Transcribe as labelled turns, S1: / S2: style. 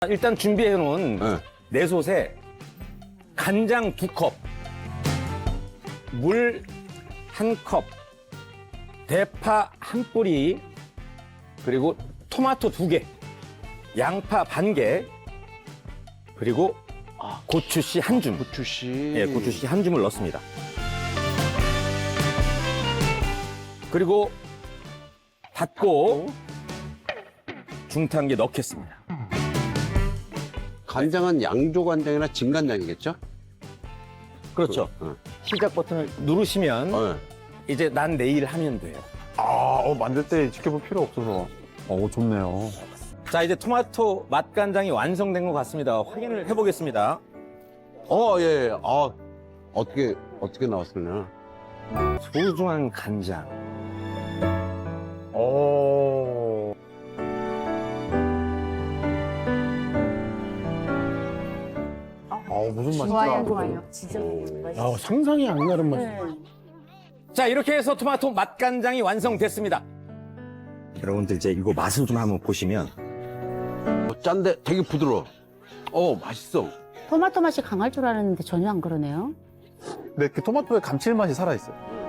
S1: 일단 준비해 놓은
S2: 네.
S1: 내솥에 간장 2컵, 물 1컵, 대파 1뿌리, 그리고 토마토 2개, 양파 반 개, 그리고 고추씨 1줌.
S2: 고추씨.
S1: 예, 고추씨 1줌을 넣습니다. 그리고 닫고 중탕기에 넣겠습니다.
S2: 간장은 양조간장이나 진간장이겠죠?
S1: 그렇죠. 시작 버튼을 누르시면
S2: 네.
S1: 이제 난 내일 하면 돼요.
S3: 만들 때 지켜볼 필요 없어서. 좋네요.
S1: 자, 이제 토마토 맛간장이 완성된 것 같습니다. 확인을 해보겠습니다.
S2: 예. 어떻게 나왔으려나?
S1: 소중한 간장.
S3: 무슨 맛일까?
S4: 좋아요, 좋아요. 진짜 맛있어.
S3: 상상이 안 가는 맛이.
S1: 자, 이렇게 해서 토마토 맛간장이 완성됐습니다. 여러분들 이제 이거 맛을 좀 한번 보시면
S2: 짠데 되게 부드러워. 맛있어.
S4: 토마토 맛이 강할 줄 알았는데 전혀 안 그러네요.
S3: 근데 그 토마토의 감칠맛이 살아있어요.